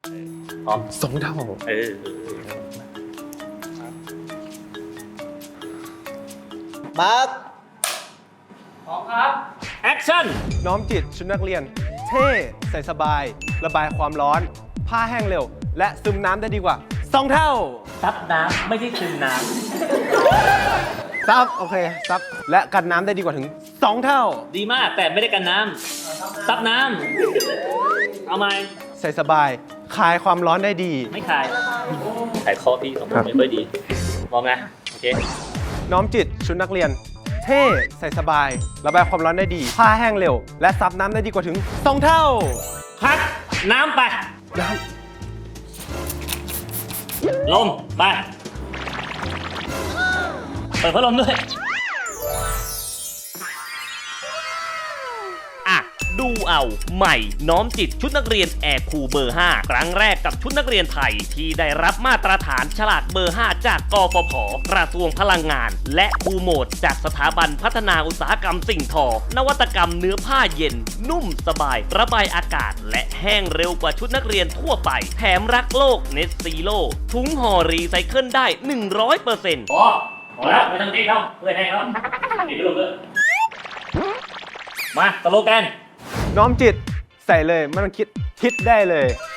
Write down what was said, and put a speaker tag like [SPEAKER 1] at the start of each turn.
[SPEAKER 1] พร้อม
[SPEAKER 2] 2 เท่า
[SPEAKER 3] มาร์ค
[SPEAKER 1] พร้อมครับแอคชั่น
[SPEAKER 2] น้อมจิตชุดนักเรียน เท่ใส่สบาย ระบายความร้อน ผ้าแห้งเร็ว และซึมน้ำได้ดีกว่า 2 เท่า
[SPEAKER 1] ซับน้ำไม่ใช่ซึมน้
[SPEAKER 2] ซับโอเคซับและกันน้ำได้ดีกว่าถึง 2 เท่า
[SPEAKER 1] ำดีมากแต่ไม่ได้กันน้ำซับน้ำเอาไหม
[SPEAKER 2] ใส่สบายคลายความร้อนได้ดี
[SPEAKER 1] ไม่ขายขายข้อพี่ของผมไม่ค่อยดีพร้อมนะโอเค
[SPEAKER 2] น้อมจิตชุดนักเรียน เท่ใส่สบาย ระบายความร้อนได้ดี ผ้าแห้งเร็ว และซับน้ำได้ดีกว่าถึง 2 เท่า
[SPEAKER 1] คัดน้ำไป
[SPEAKER 2] น้
[SPEAKER 1] ลมไปเปิดพัดลมด้วยอ่ะดูเอาใหม่น้อมจิตชุดนักเรียนแอร์คูลเบอร์ 5 ครั้งแรกกับชุดนักเรียนไทยที่ได้รับมาตรฐานฉลากเบอร์ 5 จากกฟผกระทรวงพลังงาน และคูลโหมดจากสถาบันพัฒนาอุตสาหกรรมสิ่งทอ นวัตกรรมเนื้อผ้าเย็น นุ่มสบาย ระบายอากาศ และแห้งเร็วกว่าชุดนักเรียนทั่วไป แถมรักโลกเนสซีโลถุงห่อรีไซเคิลได้ 100%พอแล้วไม่ต้องตีเขาเพื่อให้เขาตีไปลงเลยมาสโลแกน
[SPEAKER 2] ำน้อมจิตใส่เลยไม่ต้องคิดได้เลย